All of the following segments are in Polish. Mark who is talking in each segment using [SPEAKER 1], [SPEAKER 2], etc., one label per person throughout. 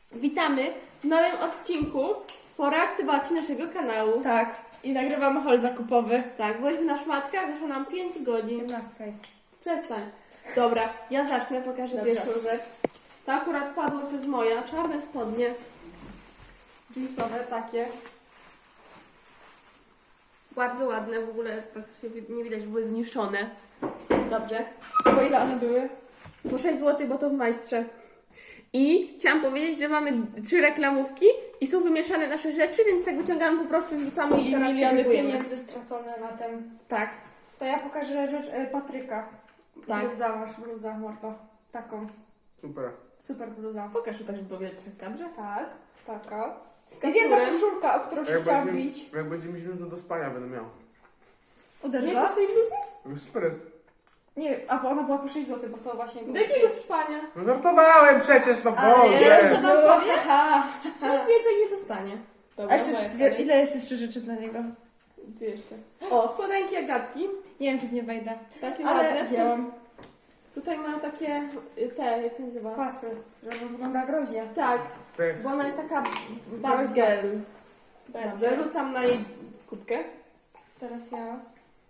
[SPEAKER 1] Witamy w nowym odcinku po reaktywacji naszego kanału.
[SPEAKER 2] Tak, i nagrywamy haul zakupowy.
[SPEAKER 1] Tak, byliśmy na szmatkach, zeszło nam 5 godzin.
[SPEAKER 2] Naskaj.
[SPEAKER 1] Przestań. Dobra, ja zacznę, pokażę
[SPEAKER 2] Dobra.
[SPEAKER 1] pierwszą rzecz. To akurat padło, że to jest moja, czarne spodnie. Jeansowe takie. Bardzo ładne, w ogóle praktycznie nie widać, że były zniszczone. Dobrze.
[SPEAKER 2] Po ile one były?
[SPEAKER 1] Po 6 zł, bo to w Majstrze. I chciałam powiedzieć, że mamy 3 reklamówki i są wymieszane nasze rzeczy, więc tak wyciągamy po prostu i rzucamy i
[SPEAKER 2] I
[SPEAKER 1] teraz
[SPEAKER 2] miliony
[SPEAKER 1] segregujemy.
[SPEAKER 2] pieniędzy stracone na tym.
[SPEAKER 1] Tak,
[SPEAKER 2] To ja pokażę rzecz Patryka.
[SPEAKER 1] Tak.
[SPEAKER 2] Bluza, masz bluza, mordo. Taką.
[SPEAKER 3] Super.
[SPEAKER 2] Super bluza.
[SPEAKER 1] pokaż to też powietrze w kadrze.
[SPEAKER 2] Tak, taka.
[SPEAKER 1] Z
[SPEAKER 2] Jest jedna
[SPEAKER 1] kapturem.
[SPEAKER 2] koszulka, o którą się chciałam bić.
[SPEAKER 3] Jak będzie mi źle do spania, będę miał.
[SPEAKER 1] Nie
[SPEAKER 2] Uderzyła?
[SPEAKER 1] chcesz tej bluzy?
[SPEAKER 3] Super jest.
[SPEAKER 2] Nie wiem, a bo ona była po 6 zł, bo to właśnie było.
[SPEAKER 1] Do jakiego spania?
[SPEAKER 3] No żartowałem przecież, no
[SPEAKER 2] Ale
[SPEAKER 3] Boże!
[SPEAKER 2] Jezu,
[SPEAKER 1] Co powie?
[SPEAKER 2] ha.
[SPEAKER 1] Nic więcej nie dostanie.
[SPEAKER 2] A
[SPEAKER 1] Dobra,
[SPEAKER 2] jeszcze,
[SPEAKER 1] moja kolej.
[SPEAKER 2] ile jest jeszcze rzeczy dla niego?
[SPEAKER 1] Dwie jeszcze. O, spodenki Agatki.
[SPEAKER 2] Nie wiem, czy w nie wejdę.
[SPEAKER 1] Takie
[SPEAKER 2] Ale
[SPEAKER 1] ładne.
[SPEAKER 2] wzięłam
[SPEAKER 1] Tutaj mają takie, jak to nazywa?
[SPEAKER 2] pasy, żeby wygląda groźnie.
[SPEAKER 1] Tak,
[SPEAKER 3] Ty,
[SPEAKER 1] bo ona jest taka bad
[SPEAKER 2] Groźna.
[SPEAKER 1] girl.
[SPEAKER 2] Bad
[SPEAKER 1] Dobrze,
[SPEAKER 2] girl.
[SPEAKER 1] rzucam na jej kubkę.
[SPEAKER 2] Teraz ja.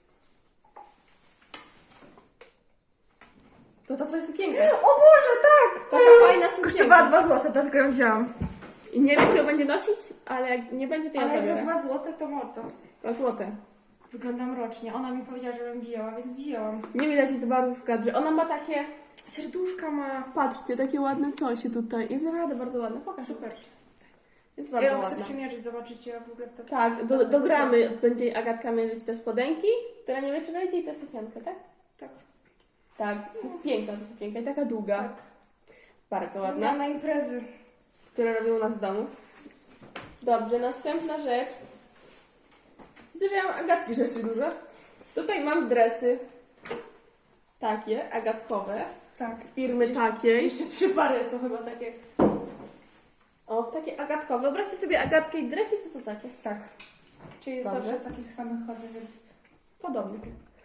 [SPEAKER 1] To ta twoja sukienka.
[SPEAKER 2] O Boże, tak!
[SPEAKER 1] Taka fajna sukienka.
[SPEAKER 2] Kosztowała 2 zł, dlatego ją wzięłam.
[SPEAKER 1] I nie wiem, czy ją będzie nosić, ale jak nie będzie, to ja
[SPEAKER 2] Ale jak za
[SPEAKER 1] zabiorę.
[SPEAKER 2] 2 zł to mordo.
[SPEAKER 1] 2 złote.
[SPEAKER 2] Wyglądam rocznie. Ona mi powiedziała, żebym wzięła, więc wzięłam.
[SPEAKER 1] Nie widać jej za bardzo w kadrze. Ona ma takie,
[SPEAKER 2] Serduszka ma.
[SPEAKER 1] patrzcie, takie ładne coś tutaj. Jest naprawdę bardzo ładne. Pokaż.
[SPEAKER 2] Super.
[SPEAKER 1] Jest
[SPEAKER 2] Ja
[SPEAKER 1] bardzo
[SPEAKER 2] ją chcę
[SPEAKER 1] ładna.
[SPEAKER 2] przymierzyć, zobaczycie jak w ogóle to.
[SPEAKER 1] Tak, dogramy będzie Agatka mierzyć te spodenki, która nie wie, czy wejdzie, i tę sukienkę, tak?
[SPEAKER 2] Tak.
[SPEAKER 1] Tak, to jest piękna ta sukienka i taka długa.
[SPEAKER 2] Tak.
[SPEAKER 1] Bardzo
[SPEAKER 2] Ładna
[SPEAKER 1] ładna,
[SPEAKER 2] na imprezy.
[SPEAKER 1] które robią u nas w domu. Dobrze, następna rzecz. Widzę, że ja mam Agatki rzeczy dużo. Tutaj mam dresy. Takie, agatkowe.
[SPEAKER 2] Tak.
[SPEAKER 1] Z firmy takiej.
[SPEAKER 2] Jeszcze 3 pary są chyba takie.
[SPEAKER 1] O, takie agatkowe. Wyobraźcie sobie Agatkę i dresy, to są takie.
[SPEAKER 2] Tak. Czyli
[SPEAKER 1] Dobrze.
[SPEAKER 2] zawsze takich samych chodzę, więc.
[SPEAKER 1] Podobne.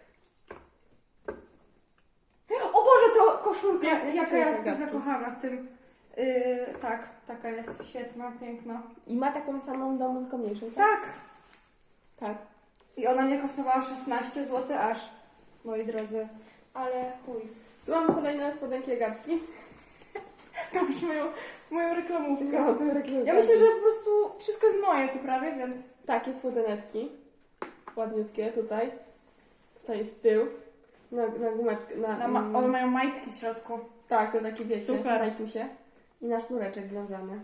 [SPEAKER 2] O Boże, to koszulka!
[SPEAKER 1] Piękna
[SPEAKER 2] Jaka
[SPEAKER 1] koszulka
[SPEAKER 2] ja jestem
[SPEAKER 1] Agatki.
[SPEAKER 2] zakochana w tym. Tak, taka jest świetna, piękna.
[SPEAKER 1] I ma taką samą w domu, tylko mniejszą. Tak?
[SPEAKER 2] Tak!
[SPEAKER 1] Tak.
[SPEAKER 2] I ona mnie kosztowała 16 zł aż, moi drodzy. Ale chuj.
[SPEAKER 1] Tu mamy kolejne spodenki Agatki.
[SPEAKER 2] To już moją reklamówkę.
[SPEAKER 1] No, to reklamujemy.
[SPEAKER 2] Ja myślę, że po prostu wszystko jest moje tu prawie, więc...
[SPEAKER 1] Takie spodeneczki. Ładniutkie tutaj. Tutaj jest tył. Na gumeczkę.
[SPEAKER 2] One mają majtki w środku.
[SPEAKER 1] Tak, to taki wiecie,
[SPEAKER 2] Super.
[SPEAKER 1] rajtusie. I na sznureczek wiązany.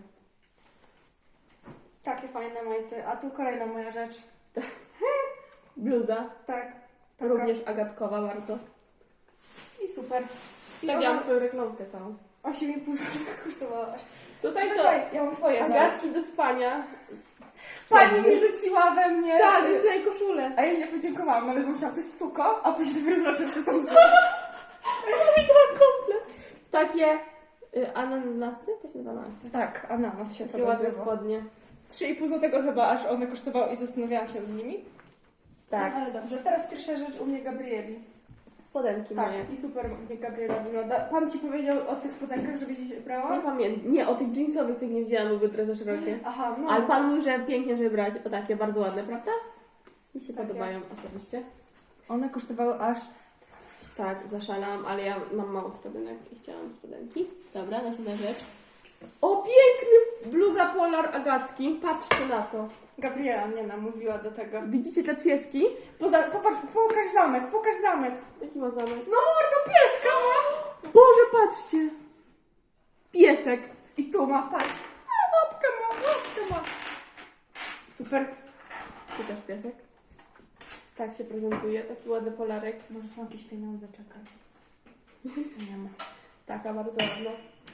[SPEAKER 2] Takie fajne majty. A tu kolejna moja rzecz.
[SPEAKER 1] Bluza.
[SPEAKER 2] Tak. Taka.
[SPEAKER 1] Również agatkowa bardzo.
[SPEAKER 2] I super. I
[SPEAKER 1] Stawiam
[SPEAKER 2] ona
[SPEAKER 1] twoją reklamkę całą.
[SPEAKER 2] 8,5 zł kosztowała.
[SPEAKER 1] Tutaj to
[SPEAKER 2] Czekaj, ja mam twoje zaraz.
[SPEAKER 1] Agatki do spania.
[SPEAKER 2] Pani mi rzuciła we mnie.
[SPEAKER 1] Tak, rzucaj koszulę.
[SPEAKER 2] A ja nie podziękowałam, nawet myślałam, to jest suko, a później dopiero zobaczyłam, że to są suko.
[SPEAKER 1] I to komplet. Takie ananasy? To się nazywa ananasy.
[SPEAKER 2] Tak, ananas się to
[SPEAKER 1] Takie ładne
[SPEAKER 2] nazywa.
[SPEAKER 1] spodnie.
[SPEAKER 2] 3,5 zł chyba, aż one kosztowały i zastanawiałam się nad nimi.
[SPEAKER 1] Tak.
[SPEAKER 2] No, ale dobrze, teraz pierwsza rzecz u mnie Gabrieli.
[SPEAKER 1] Spodenki
[SPEAKER 2] Tak,
[SPEAKER 1] moje.
[SPEAKER 2] i super mnie Gabriela wygląda. Pan ci powiedział o tych spodenkach, żebyś je brała?
[SPEAKER 1] Nie pamiętam. Nie, o tych jeansowych tych nie wzięłam, były trochę za szerokie.
[SPEAKER 2] Aha, no.
[SPEAKER 1] Ale pan mówił, że pięknie, żeby brać o takie bardzo ładne, prawda? Mi się
[SPEAKER 2] Takie.
[SPEAKER 1] podobają osobiście.
[SPEAKER 2] One kosztowały aż...
[SPEAKER 1] Tak, zaszalałam, ale ja mam mało spodenek i chciałam spodenki. Dobra, następna rzecz. O, piękny bluza polar Agatki. Patrzcie na to.
[SPEAKER 2] Gabriela mnie namówiła do tego.
[SPEAKER 1] Widzicie te pieski?
[SPEAKER 2] Pokaż zamek, pokaż zamek.
[SPEAKER 1] Jaki ma zamek?
[SPEAKER 2] No mordo, pieska ma!
[SPEAKER 1] Boże, patrzcie! Piesek.
[SPEAKER 2] I tu ma, patrz. Łapkę ma.
[SPEAKER 1] Super. Tu też piesek. Tak się prezentuje, taki ładny polarek.
[SPEAKER 2] Może są jakieś pieniądze, czekaj. Nie ma.
[SPEAKER 1] Taka bardzo ładna.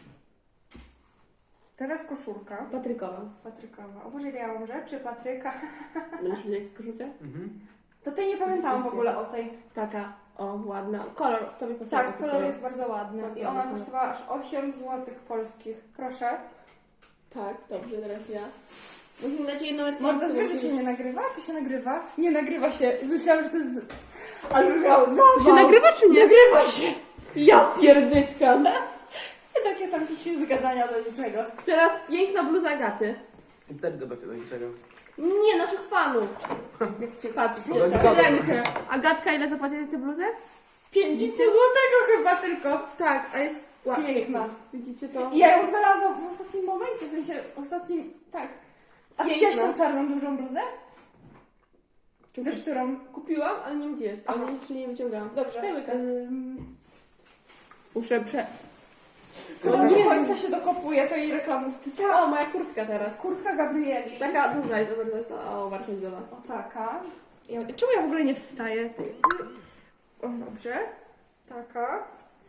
[SPEAKER 2] Teraz koszulka.
[SPEAKER 1] Patrykowa.
[SPEAKER 2] Patrykowa. O Boże, ile ja mam rzeczy, Patryka.
[SPEAKER 1] Będziesz mieć jakieś koszulce?
[SPEAKER 3] Mhm.
[SPEAKER 2] To tej nie pamiętałam w ogóle o tej.
[SPEAKER 1] Taka, o, ładna. Kolor, to mi pasuje.
[SPEAKER 2] Tak,
[SPEAKER 1] taki
[SPEAKER 2] kolor jest bardzo ładny.
[SPEAKER 1] Bardzo
[SPEAKER 2] I ona
[SPEAKER 1] ładny.
[SPEAKER 2] kosztowała aż 8 zł polskich. Proszę.
[SPEAKER 1] Tak, dobrze, teraz ja. Musimy dać jedną reklamę.
[SPEAKER 2] Mordo, wiesz, że się nie nagrywa? Czy się nagrywa? Nie nagrywa się. Myślałam, że to jest... Ale miał zawał.
[SPEAKER 1] Się nagrywa czy nie?
[SPEAKER 2] Nagrywa się.
[SPEAKER 1] Ja pierdyczka.
[SPEAKER 2] Takie tam piśmie wygadania do niczego.
[SPEAKER 1] Teraz piękna bluza Agaty.
[SPEAKER 3] I też gadacie do niczego.
[SPEAKER 1] Nie, naszych fanów. Jak się patrzcie,
[SPEAKER 3] No,
[SPEAKER 1] za
[SPEAKER 3] dobra.
[SPEAKER 1] rękę. Agatka, ile zapłaciłeś za tę bluzę? 5,5
[SPEAKER 2] Widzicie?
[SPEAKER 1] złotego chyba tylko. Tak, a jest
[SPEAKER 2] Piękna.
[SPEAKER 1] piękna. Widzicie to?
[SPEAKER 2] I ja ją znalazłam w ostatnim momencie, w sensie ostatnim... Tak. A ty
[SPEAKER 1] Piękna.
[SPEAKER 2] wziąłeś tą czarną dużą bluzę? Wiesz, którą?
[SPEAKER 1] Kupiłam, ale nie wiem gdzie jest, ale
[SPEAKER 2] Aha.
[SPEAKER 1] jeszcze nie wyciągałam.
[SPEAKER 2] Dobrze.
[SPEAKER 1] Daj łyka. Muszę
[SPEAKER 2] Chyba
[SPEAKER 1] nie
[SPEAKER 2] do
[SPEAKER 1] wiem.
[SPEAKER 2] końca się dokopuje tej reklamówki.
[SPEAKER 1] O, moja kurtka teraz.
[SPEAKER 2] Kurtka Gabrieli.
[SPEAKER 1] Taka duża jest oversize, oversize'owa.
[SPEAKER 2] O, taka. Czemu ja w ogóle nie wstaję? O, dobrze. Taka.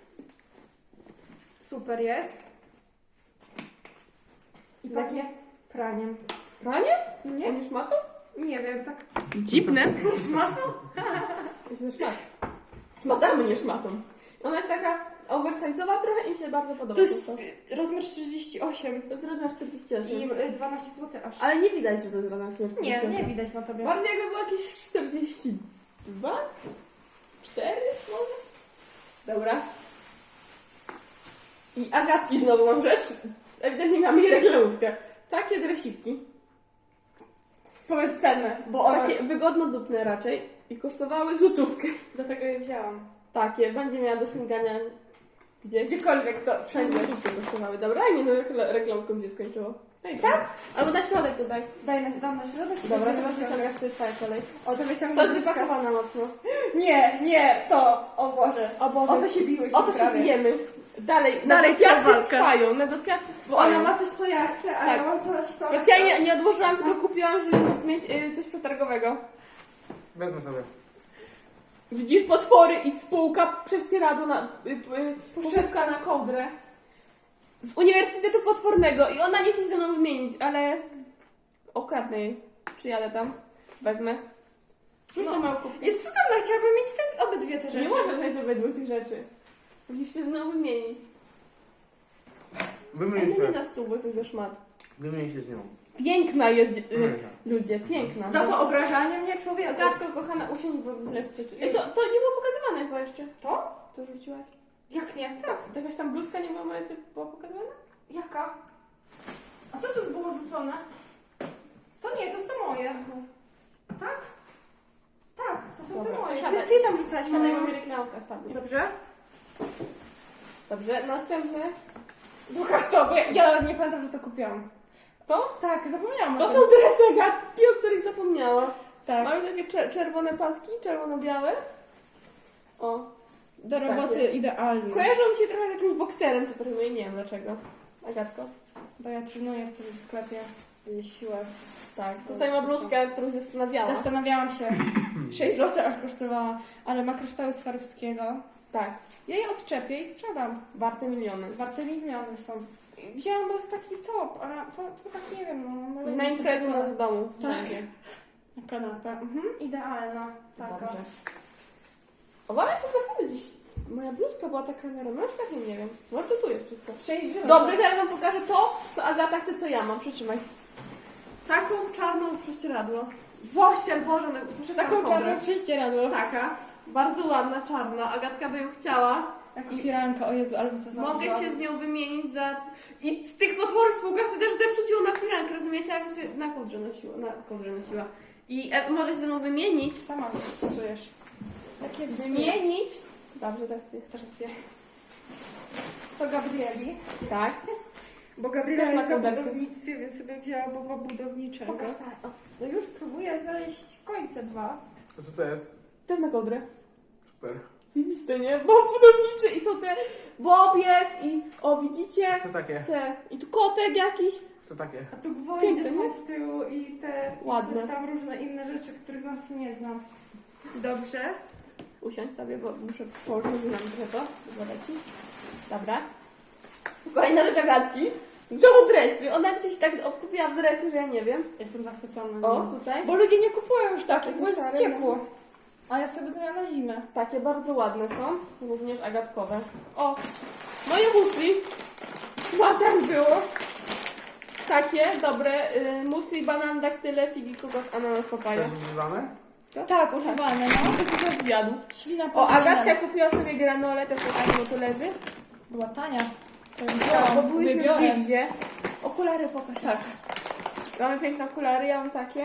[SPEAKER 2] Super jest. I
[SPEAKER 1] Tak.
[SPEAKER 2] pachnie praniem.
[SPEAKER 1] Pranie?
[SPEAKER 2] Nie?
[SPEAKER 1] Nie szmatą?
[SPEAKER 2] Nie wiem, tak.
[SPEAKER 1] Dziwne.
[SPEAKER 2] Szmatą?
[SPEAKER 1] Jest na szmat. Szmatamy, nie szmatą. Ona jest taka oversize'owa trochę i mi się bardzo podoba.
[SPEAKER 2] To jest rozmiar 48
[SPEAKER 1] To jest rozmiar 48.
[SPEAKER 2] i 12 zł aż.
[SPEAKER 1] Ale nie widać, że to jest rozmiar 48.
[SPEAKER 2] Nie, nie widać na tobie.
[SPEAKER 1] Bardziej jakby było jakieś 42? 4 może? Dobra. I Agatki znowu mam rzecz. Ewidentnie miałam jej reklamówkę. Takie dresiki.
[SPEAKER 2] Powiedz cenę, bo ona...
[SPEAKER 1] Takie wygodno-dupne raczej. I kosztowały złotówkę.
[SPEAKER 2] Dlatego je wzięłam.
[SPEAKER 1] Takie. Będzie miała do śmigania gdzieś.
[SPEAKER 2] Gdziekolwiek to, wszędzie.
[SPEAKER 1] Złotówkę kosztowały. Dobra, daj mi no reklamkę, gdzie skończyło. Daj tak? Albo na środek tutaj.
[SPEAKER 2] Dam na środek.
[SPEAKER 1] Dobra,
[SPEAKER 2] to
[SPEAKER 1] teraz wyciągasz, to jest twoja kolej.
[SPEAKER 2] O, to
[SPEAKER 1] To
[SPEAKER 2] wyciągnę.
[SPEAKER 1] jest wypakowana mocno.
[SPEAKER 2] Nie, to. O Boże.
[SPEAKER 1] O Boże.
[SPEAKER 2] O to się biłyśmy
[SPEAKER 1] O to się
[SPEAKER 2] prawie.
[SPEAKER 1] bijemy. Dalej,
[SPEAKER 2] Dalej
[SPEAKER 1] negocjacje
[SPEAKER 2] trwa walka.
[SPEAKER 1] trwają, negocjacje
[SPEAKER 2] Bo
[SPEAKER 1] trwają.
[SPEAKER 2] ona ma coś, co ja chcę, a
[SPEAKER 1] Tak.
[SPEAKER 2] ja mam coś, co...
[SPEAKER 1] Specjalnie nie odłożyłam, tylko kupiłam, żeby móc mieć coś przetargowego.
[SPEAKER 3] Wezmę sobie.
[SPEAKER 1] Widzisz potwory i spółka prześcieradło na... poszewka na kołdrę. Z Uniwersytetu Potwornego i ona nie chce się ze mną wymienić, ale... okradnę jej. Przyjadę tam, wezmę. Rzuć
[SPEAKER 2] No.
[SPEAKER 1] na małą kubkę.
[SPEAKER 2] Jest cudowna, chciałabym mieć obydwie te rzeczy.
[SPEAKER 1] Nie możesz mieć obydwu tych rzeczy. Musisz się ze mną wymienić. Ale
[SPEAKER 3] Wymienię
[SPEAKER 1] nie
[SPEAKER 3] się.
[SPEAKER 1] na stół, bo to jest za szmat.
[SPEAKER 3] Wymienię się z nią.
[SPEAKER 1] Piękna jest,
[SPEAKER 3] Wymienię.
[SPEAKER 1] ludzie, piękna.
[SPEAKER 2] Za to obrażanie mnie człowieka.
[SPEAKER 1] Agatko, kochana, usiądź w ogóle z rzeczy. Ej, to nie było pokazywane chyba jeszcze.
[SPEAKER 2] To?
[SPEAKER 1] To rzuciłaś?
[SPEAKER 2] Jak nie?
[SPEAKER 1] Tak. Jakaś tam bluzka nie była moja, co była pokazywana?
[SPEAKER 2] Jaka? A co tu było rzucone? To nie, to jest to moje. Tak? Tak, to są
[SPEAKER 1] Dobra,
[SPEAKER 2] te moje.
[SPEAKER 1] siadaj.
[SPEAKER 2] Ty tam rzucałaś
[SPEAKER 1] Siadaj, bo
[SPEAKER 2] moją.
[SPEAKER 1] mi reklamka spadnie.
[SPEAKER 2] Dobrze?
[SPEAKER 1] Dobrze, następne.
[SPEAKER 2] Pokaż to, bo ja nie pamiętam, że to kupiłam.
[SPEAKER 1] To?
[SPEAKER 2] Tak, zapomniałam o
[SPEAKER 1] To
[SPEAKER 2] tym.
[SPEAKER 1] są dresy Agatki, o których zapomniała.
[SPEAKER 2] Tak.
[SPEAKER 1] Mają takie czerwone paski, czerwono-białe. O.
[SPEAKER 2] Do roboty
[SPEAKER 1] Takie.
[SPEAKER 2] idealne.
[SPEAKER 1] Kojarzą mi się trochę z jakimś bokserem, co trenuję, nie wiem dlaczego. Agatko.
[SPEAKER 2] Bo ja trenuję wtedy w sklepie siłę.
[SPEAKER 1] Tak, tutaj ma bluzkę, którą się zastanawiała.
[SPEAKER 2] Zastanawiałam się. 6 zł aż kosztowała, ale ma kryształy Swarowskiego.
[SPEAKER 1] Tak,
[SPEAKER 2] Ja je odczepię i sprzedam.
[SPEAKER 1] warte miliony.
[SPEAKER 2] Warte miliony są. Wzięłam, bo jest taki top, a to tak nie wiem, no.
[SPEAKER 1] Na imprezę u nas w domu.
[SPEAKER 2] Tak.
[SPEAKER 1] Będzie.
[SPEAKER 2] Na kanapę. Idealna. Taka.
[SPEAKER 1] Dobrze. Uważaj, to naprawdę dziś. Moja bluzka była taka na ramionczkach, nie wiem. Może to tu jest wszystko.
[SPEAKER 2] Przejrzymy.
[SPEAKER 1] Dobrze, teraz wam pokażę to, co Agata chce, co ja mam. Przytrzymaj. Taką czarną prześcieradło. Złościel, Boże, no, proszę
[SPEAKER 2] Taką czarną prześcieradło.
[SPEAKER 1] Taka. Bardzo ładna, czarna. Agatka by ją chciała.
[SPEAKER 2] Jako firanka, o Jezu, ale by to
[SPEAKER 1] Mogę się z nią wymienić za... I z tych potworów spółka chce też zepsuć ją na firankę, rozumiecie? Jak się na kołdrze nosiła. I może się ze mną wymienić.
[SPEAKER 2] Sama psujesz. Takie
[SPEAKER 1] Wymienić. Dobrze, teraz ty.
[SPEAKER 2] Teraz ja. To Gabrieli.
[SPEAKER 1] Tak.
[SPEAKER 2] Bo Gabriela
[SPEAKER 1] Też ma
[SPEAKER 2] jest na
[SPEAKER 1] kołderkę.
[SPEAKER 2] budownictwie, więc sobie wzięła boba budowniczego.
[SPEAKER 1] Pokaż tak. O,
[SPEAKER 2] No już próbuję znaleźć końce 2.
[SPEAKER 3] A co to jest?
[SPEAKER 1] też na kołdrę.
[SPEAKER 3] Super.
[SPEAKER 1] Zajebiste, nie? Bob budowniczy i są te... Bob jest i... O, widzicie?
[SPEAKER 3] Co takie?
[SPEAKER 1] Te... I tu kotek jakiś.
[SPEAKER 3] Co takie?
[SPEAKER 2] A tu gwoździe
[SPEAKER 1] Piękne,
[SPEAKER 2] są
[SPEAKER 1] nie?
[SPEAKER 2] z tyłu i te
[SPEAKER 1] Ładne.
[SPEAKER 2] coś tam różne inne rzeczy, których nas nie znam. Dobrze.
[SPEAKER 1] Usiądź sobie, bo muszę położyć nam trochę to. Zobacz ci. Dobra. Kolejna rzecz Agatki. Znowu dresy. Ona dzisiaj się tak obkupiła w dresy, że ja nie wiem.
[SPEAKER 2] Jestem zachwycona.
[SPEAKER 1] O,
[SPEAKER 2] nimi.
[SPEAKER 1] tutaj.
[SPEAKER 2] Bo ludzie nie kupują już takich, bo jest
[SPEAKER 1] Szare,
[SPEAKER 2] ciepło. A ja sobie będę miała na zimę.
[SPEAKER 1] Takie bardzo ładne są. Również agatkowe. O! Moje musli. Ładne było. Takie, dobre. Musli, banan, daktyle, figi, kokos, ananas, papaja.
[SPEAKER 3] Też używane?
[SPEAKER 2] Tak, używane, no.
[SPEAKER 1] To ktoś zjadł.
[SPEAKER 2] Ślina
[SPEAKER 1] O,
[SPEAKER 2] powinna.
[SPEAKER 1] Agatka kupiła sobie granolę, też taką, bo to leży.
[SPEAKER 2] Była tania.
[SPEAKER 1] Bo byliśmy w
[SPEAKER 2] wybiorę.
[SPEAKER 1] Bigzie. Okulary pokaż.
[SPEAKER 2] Tak.
[SPEAKER 1] Mamy piękne okulary, ja mam takie.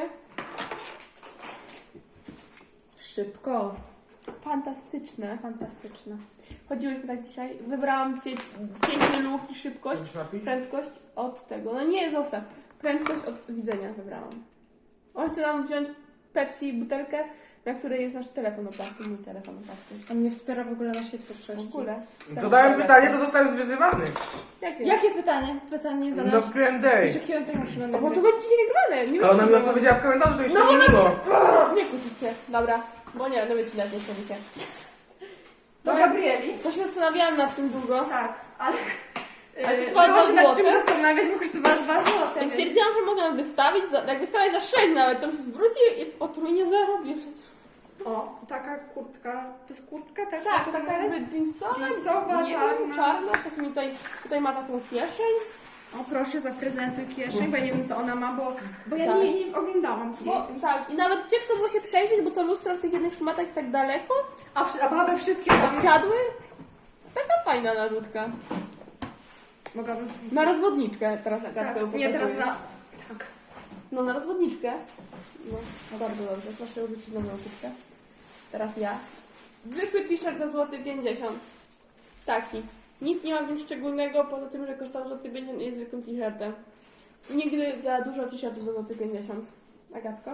[SPEAKER 2] Szybko.
[SPEAKER 1] Fantastyczne.
[SPEAKER 2] Fantastyczne.
[SPEAKER 1] Chodziłyśmy tak dzisiaj. Wybrałam sobie piękny look i szybkość.
[SPEAKER 3] Chcesz napić?
[SPEAKER 1] Prędkość od tego. No nie, zostaw. Prędkość od widzenia wybrałam. On chce nam wziąć Pepsi butelkę, na której jest nasz telefon oparty. Mój telefon oparty.
[SPEAKER 2] On nie wspiera w ogóle naszej
[SPEAKER 1] W
[SPEAKER 2] twórczości.
[SPEAKER 1] ogóle.
[SPEAKER 3] Zadałem pytanie, to zostałem zwyzywany.
[SPEAKER 1] Jakie?
[SPEAKER 2] Jakie pytanie? Pytanie
[SPEAKER 3] No
[SPEAKER 2] zadałeś.
[SPEAKER 3] w Q&A.
[SPEAKER 2] Jeszcze Q&A musimy
[SPEAKER 1] O, bo to
[SPEAKER 2] nagrać.
[SPEAKER 1] będzie dzisiaj nagrywane. Nie
[SPEAKER 3] A ona mi
[SPEAKER 1] wiem,
[SPEAKER 3] odpowiedziała w komentarzu, to jeszcze
[SPEAKER 1] No,
[SPEAKER 3] nie
[SPEAKER 1] ona
[SPEAKER 3] było.
[SPEAKER 1] Nie kłócicie. Dobra. Bo nie będę wycinać nie chcę.
[SPEAKER 2] Do Gabrieli.
[SPEAKER 1] Coś się zastanawiałam nad tym długo.
[SPEAKER 2] Tak, ale...
[SPEAKER 1] Ale kosztowała
[SPEAKER 2] było
[SPEAKER 1] 2
[SPEAKER 2] się nad czym
[SPEAKER 1] złote.
[SPEAKER 2] zastanawiać, bo kosztowała 2 złote.
[SPEAKER 1] Więc stwierdziłam, że mogę wystawić, jak wystawię za 6 nawet, to mi się zwróci i potrójnie zarobię przecież.
[SPEAKER 2] O, taka kurtka. To jest kurtka? Tak,
[SPEAKER 1] Tak, taka jakby jeansowa.
[SPEAKER 2] Jeansowa,
[SPEAKER 1] nie
[SPEAKER 2] czarna.
[SPEAKER 1] Wiem, czarna, tak mi tutaj ma taką kieszeń.
[SPEAKER 2] O proszę, zaprezentuj kieszeń, bo ja nie wiem co ona ma, bo ja
[SPEAKER 1] Tak.
[SPEAKER 2] nie oglądałam jej.
[SPEAKER 1] Bo, tak, i nawet ciężko było się przejrzeć, bo to lustro w tych jednych szmatach jest tak daleko.
[SPEAKER 2] A baby wszystkie tam...
[SPEAKER 1] Odsiadły. Taka fajna narzutka.
[SPEAKER 2] Mogłabym...
[SPEAKER 1] Na rozwodniczkę teraz Agatkę
[SPEAKER 2] Tak, nie, teraz
[SPEAKER 1] pokazuję.
[SPEAKER 2] na... Tak.
[SPEAKER 1] No na rozwodniczkę. No bardzo dobrze, proszę rzucić nową kubkę. Teraz ja. Zwykły t-shirt za złoty 50. Taki. Nic nie ma w nim szczególnego, poza tym, że kosztował złoty 50 i jest zwykłym t-shirtem. Nigdy za dużo t-shirtów za złoty 50. Agatko?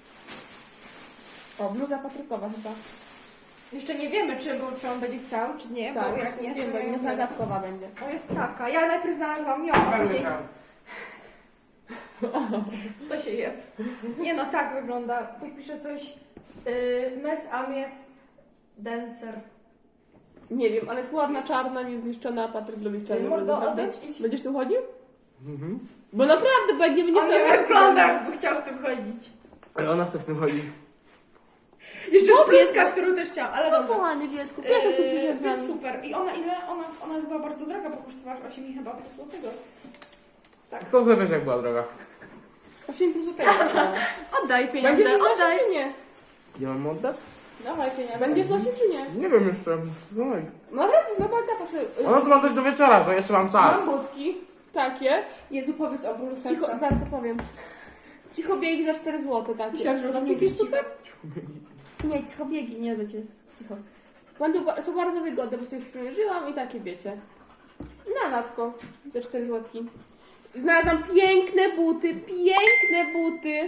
[SPEAKER 1] O, bluza patrykowa chyba.
[SPEAKER 2] Jeszcze nie wiemy, czy on będzie chciał, czy nie, bo jak nie,
[SPEAKER 1] wiem,
[SPEAKER 2] to
[SPEAKER 1] bo nie Agatkowa będzie.
[SPEAKER 2] O, jest taka. Ja najpierw znalazłam ją, a
[SPEAKER 3] Pewnie
[SPEAKER 2] później
[SPEAKER 3] chciałem.
[SPEAKER 2] to się je. Nie no, tak wygląda. Tu pisze coś... Mes Amies Dencer.
[SPEAKER 1] Nie wiem, ale jest ładna, czarna, niezniszczona, Patryk lubi czarne
[SPEAKER 2] Mordo,
[SPEAKER 1] bluzy, prawda?
[SPEAKER 2] odejdź, idź.
[SPEAKER 1] Będziesz tu chodził?
[SPEAKER 3] Mhm.
[SPEAKER 1] Bo naprawdę, bo jak nie będziesz
[SPEAKER 2] On
[SPEAKER 1] to...
[SPEAKER 2] nie wygląda, jakby chciał w tym chodzić.
[SPEAKER 3] Ale ona chce w tym chodzi.
[SPEAKER 2] Jeszcze
[SPEAKER 1] No,
[SPEAKER 2] jest bluzka,
[SPEAKER 1] piesek.
[SPEAKER 2] którą też chciałam, ale
[SPEAKER 1] No
[SPEAKER 2] dobra.
[SPEAKER 1] kochany wiecku, piesek tu przyszedł z
[SPEAKER 2] Więc
[SPEAKER 1] nami.
[SPEAKER 2] super. I ona ile? Ona już była bardzo droga, bo kosztowała 8 chyba plus złotego. Tak.
[SPEAKER 3] To sobie jak była droga.
[SPEAKER 1] 8 plus tego.
[SPEAKER 2] Oddaj
[SPEAKER 1] Będziesz
[SPEAKER 2] pieniądze,
[SPEAKER 1] mi nosił
[SPEAKER 2] oddaj.
[SPEAKER 1] czy nie?
[SPEAKER 3] Nie mam oddać?
[SPEAKER 2] Dawaj pieniądze.
[SPEAKER 1] Będziesz nosił czy nie?
[SPEAKER 3] Nie wiem jeszcze. Zobacz.
[SPEAKER 1] Naprawdę, no bo Agata sobie...
[SPEAKER 3] Ona to ma coś do wieczora, to jeszcze mam czas.
[SPEAKER 1] Mam budki, takie.
[SPEAKER 2] Jezu, powiedz o bólu
[SPEAKER 1] Cicho,
[SPEAKER 2] serca.
[SPEAKER 1] zaraz opowiem. Cicho biegi za 4 zł takie.
[SPEAKER 2] Myślałam, że ona
[SPEAKER 1] Takie
[SPEAKER 2] mówi
[SPEAKER 1] super? Nie, cicho biegi, nie wiecie, jest cicho. Są bardzo wygodne, bo sobie już przymierzyłam i takie wiecie. Na latko, za 4 zł. Znalazłam piękne buty.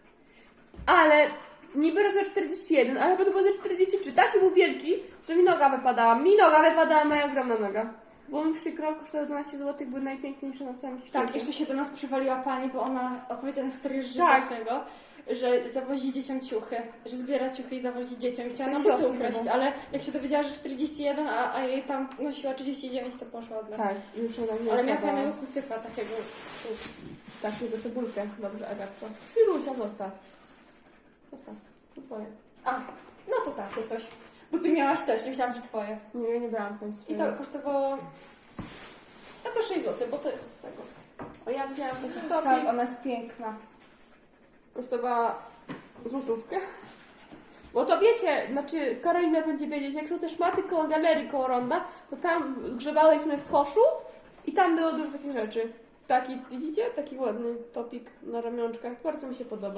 [SPEAKER 1] Ale niby raz za 41, ale potem było za 43. Taki był wielki, że mi noga wypadała. Moja ogromna noga. Było mi przykro, kosztowały 12 zł, były najpiękniejsze na całym świecie.
[SPEAKER 2] Tak, jeszcze się do nas przywaliła pani, bo ona opowiedziała historię z życia
[SPEAKER 1] Tak.
[SPEAKER 2] swego, że zawozi dzieciom ciuchy, że zbiera ciuchy i zawozi dzieciom i chciała nam
[SPEAKER 1] Siostry
[SPEAKER 2] buty ukraść,
[SPEAKER 1] chyba.
[SPEAKER 2] ale jak się dowiedziała, że 41, a jej tam nosiła 39, to poszła od nas.
[SPEAKER 1] Tak, już ona nie
[SPEAKER 2] Ale miała
[SPEAKER 1] wstawała.
[SPEAKER 2] fajnego kucyka takiego.
[SPEAKER 1] Takiego cebulkę. Dobrze, Agatko. Firusia, zostaw. Zostaw. To twoje.
[SPEAKER 2] A, no to takie coś. Bo ty miałaś też, nie myślałam, że twoje.
[SPEAKER 1] Nie, ja nie brałam w końcu.
[SPEAKER 2] I to kosztowało... No to 6 zł, bo to jest z tego.
[SPEAKER 1] O, ja wzięłam taki topik.
[SPEAKER 2] Tak, ona jest piękna.
[SPEAKER 1] Kosztowała złotówkę. Bo to wiecie, znaczy Karolina będzie wiedzieć, jak są te szmaty koło galerii, koło ronda, to tam grzebałyśmy w koszu i tam było dużo takich rzeczy. Taki, widzicie? Taki ładny topik na ramionczkach. Bardzo mi się podoba.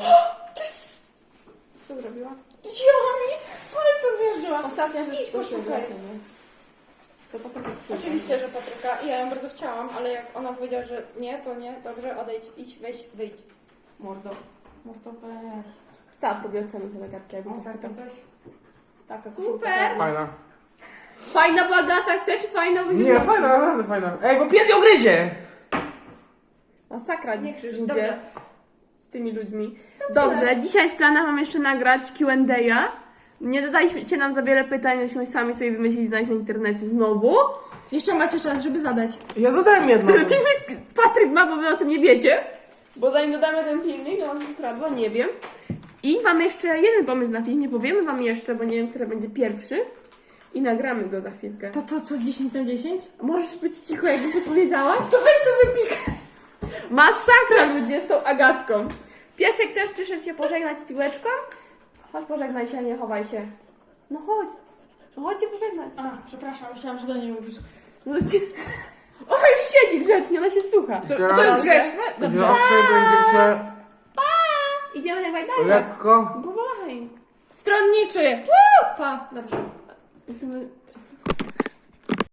[SPEAKER 1] Co zrobiła?
[SPEAKER 2] Wzięła mi, palce zmierzyłam.
[SPEAKER 1] Ostatnia rzecz,
[SPEAKER 2] Idź,
[SPEAKER 1] to
[SPEAKER 2] poszukaj.
[SPEAKER 1] się to potem
[SPEAKER 2] Oczywiście, że Patryka. I ja ją bardzo chciałam, ale jak ona powiedziała, że nie, to nie, dobrze, odejdź, idź, weź, wyjdź.
[SPEAKER 1] Mordo.
[SPEAKER 2] Mordo, weź.
[SPEAKER 1] Psa próbuję ocenić te zagadki, jakby
[SPEAKER 2] O,
[SPEAKER 1] tak
[SPEAKER 2] takie
[SPEAKER 1] pytam.
[SPEAKER 2] coś.
[SPEAKER 1] Taka
[SPEAKER 2] Super.
[SPEAKER 1] koszulka.
[SPEAKER 3] Fajna.
[SPEAKER 1] Fajna, bo Agata chce, czy fajna? Będzie
[SPEAKER 3] Nie,
[SPEAKER 1] nosić?
[SPEAKER 3] fajna, naprawdę fajna. Ej, bo pies ją gryzie!
[SPEAKER 1] Masakra
[SPEAKER 2] Nie krzyż,
[SPEAKER 1] idzie
[SPEAKER 2] dobrze.
[SPEAKER 1] z tymi ludźmi. Dobrze, dzisiaj w planach mam jeszcze nagrać Q&A. Nie dodaliście nam za wiele pytań, myśmy sami sobie wymyślili, znaleźć na internecie znowu.
[SPEAKER 2] Jeszcze macie czas, żeby zadać.
[SPEAKER 3] Ja zadałem jedno.
[SPEAKER 1] Który filmik Patryk ma, bo wy o tym nie wiecie. Bo zanim dodamy ten filmik, ja mam ukradła, nie wiem. I mamy jeszcze jeden pomysł na film, nie powiemy wam jeszcze, bo nie wiem, który będzie pierwszy. I nagramy go za chwilkę.
[SPEAKER 2] To co, 10 na 10?
[SPEAKER 1] Możesz być cicho, jakby podpowiedziałaś?
[SPEAKER 2] To weź to wypikaj.
[SPEAKER 1] Masakra ludzie z tą Agatką. Piesek też przyszedł się pożegnać z piłeczką. Chodź pożegnaj się, nie chowaj się. No chodź. No chodź się pożegnać.
[SPEAKER 2] A, przepraszam, myślałam, że do niej mówisz.
[SPEAKER 1] No ci... O, już siedzi grzecznie, ona się słucha.
[SPEAKER 2] To jest grzeczne? Dobrze.
[SPEAKER 3] Zawsze będziecie
[SPEAKER 1] Idziemy jak dalej.
[SPEAKER 3] lekko.
[SPEAKER 1] Powolej.
[SPEAKER 2] Stronniczy. Woo! Pa. Dobrze.
[SPEAKER 1] Musimy